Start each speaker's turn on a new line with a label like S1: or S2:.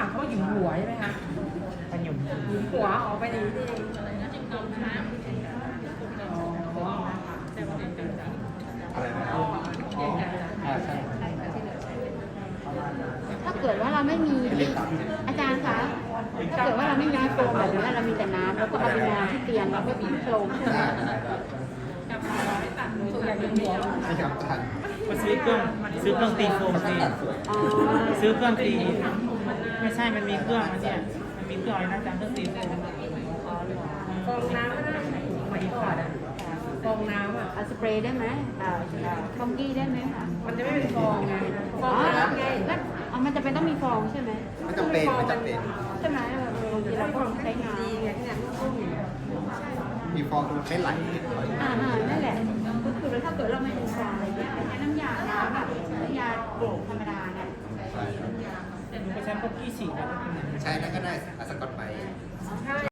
S1: ามเขาว่าหยุมหัวใช่ไหมคะ
S2: มันหยุ่ม
S1: หยุมหัวออกไปในนี่เองอ๋อ
S3: อะไรนะ
S2: ใช่
S4: ถ้าเกิดว่าเราไม่มีอาจารย์คะถ้าเกิดว่าเราไม่มีโฟมแบบนี้เรามีแต่น้ำแล้วก็เอาไปนอนที่เตียงแล้วก็บีบโฟมใช่ไหม
S1: ส่วนใหญ่หยุมหัว
S3: ใช่ครับทัน
S2: ก็ซื้อเครื่องตีโฟมตี
S4: อ๋อ
S2: ซื้อเครื่องตีไม่ใช่มันมีเครื่องมันเนี่ยมันมีเครื่องอะไรนะอาจารย์เครื่องตีโฟม
S1: ฟองน้ำก็ได้สมัยก่อนอะฟองน้ำอ่ะ
S4: เอาสเปรย์ได้ไหมฟองกี้ได้ไหมคะ
S1: มันจะไม่เป็นฟองไงฟองน้ำไง
S4: แล้วมันจะเป็นต้องมีฟองใช่ไหม
S3: ไม่จำเป็นไม่จำเป็น
S4: ใช่ไหมบางทีเราก็ใช้งาน
S1: ดีไงที่เนี่ยต้มอย่างเงี้ย
S3: มีฟองตรงไม่ไหล
S4: นั่นแหละก็คือถ้าเกิดเราไม่มีฟองอะไรเงี้ยใช้น้ำยาน้ำแบบน้ำยาโกรกธรรมดาเนี่ย
S3: ใช่ครับ
S2: ก็ใช้พวกกี้ฉีดนะ
S3: ใช่